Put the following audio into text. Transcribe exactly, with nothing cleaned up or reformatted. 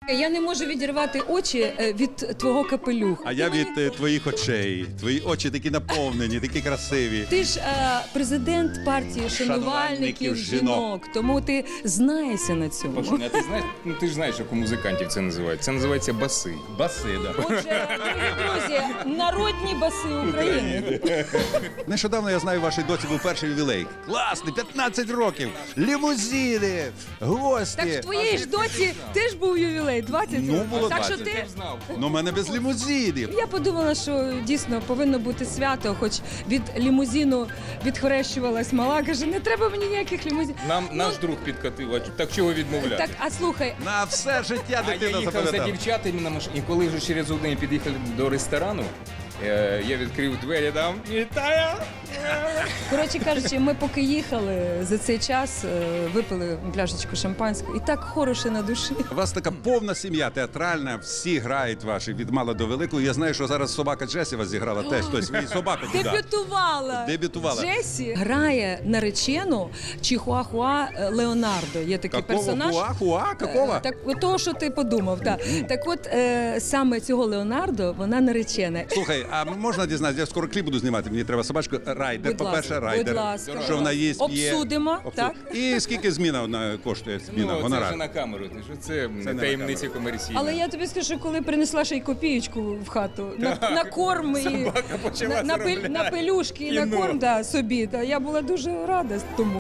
Я не можу відірвати очі е, від твого капелюха. А я від е, твоїх очей. Твої очі такі наповнені, такі красиві. Ти ж е, президент партії шанувальників Шанувальників жінок, жінок. тому ти знаєшся на цьому. Пашуня, а ти знаєш, ну ти ж знаєш, як у музикантів це називають. Це називається баси. Баси, да. Отже, дорогі друзі, народні баси України. Нещодавно, я знаю, вашій доці був перший ювілей. Класний, п'ятнадцять років, лімузини, гості. Так в твоїй ж доці теж був ювілей, двадцять Ну, років. було Так що двадцять. ти... Ну, в мене без лімузинів. Я подумала, що дійсно повинно бути свято, хоч від лімузину відхрещувалась мала, каже, не треба мені ніяких лімузинів. Нам наш друг підкатив, а так чого відмовляти? Так, а слухай, На все життя А я дитина їхав за запам'ятала. дівчатами на машині, і коли вже через один під'їхали до ресторану, е, я відкрив двері, там вітаю! коротше кажучи, ми поки їхали за цей час, е, випили пляшечку шампанського, і так хороше на душі. У вас така повна сім'я, театральна, всі грають ваші, від мала до великого. Я знаю, що зараз собака Джесі вас зіграла теж, тобто свою собаку туди. Дебютувала. Дебютувала. Джесі грає наречену Чихуахуа Леонардо. Є такий Какого персонаж. хуа, хуа, какого? Е, Так, от того, що ти подумав, так. Так от, е, саме цього Леонардо, вона наречена. Слухай, а можна дізнатися, я скоро кліп буду знімати, мені треба собачку. Райдер, Будь по-перше, ласка, райдер. будь ласка. Що вона їсть, п'є. Обсудимо, так. І скільки зміна вона коштує, зміна, Ну, це гонорар? вже на камеру, ти ж це не на таємниця камеру. комерційна. Але я тобі скажу, коли принесла ще й копієчку в хату, на, на корм і Собака почала на, на, пель- заробляти. на пелюшки і на Кіно. корм да, собі, да, я була дуже рада тому.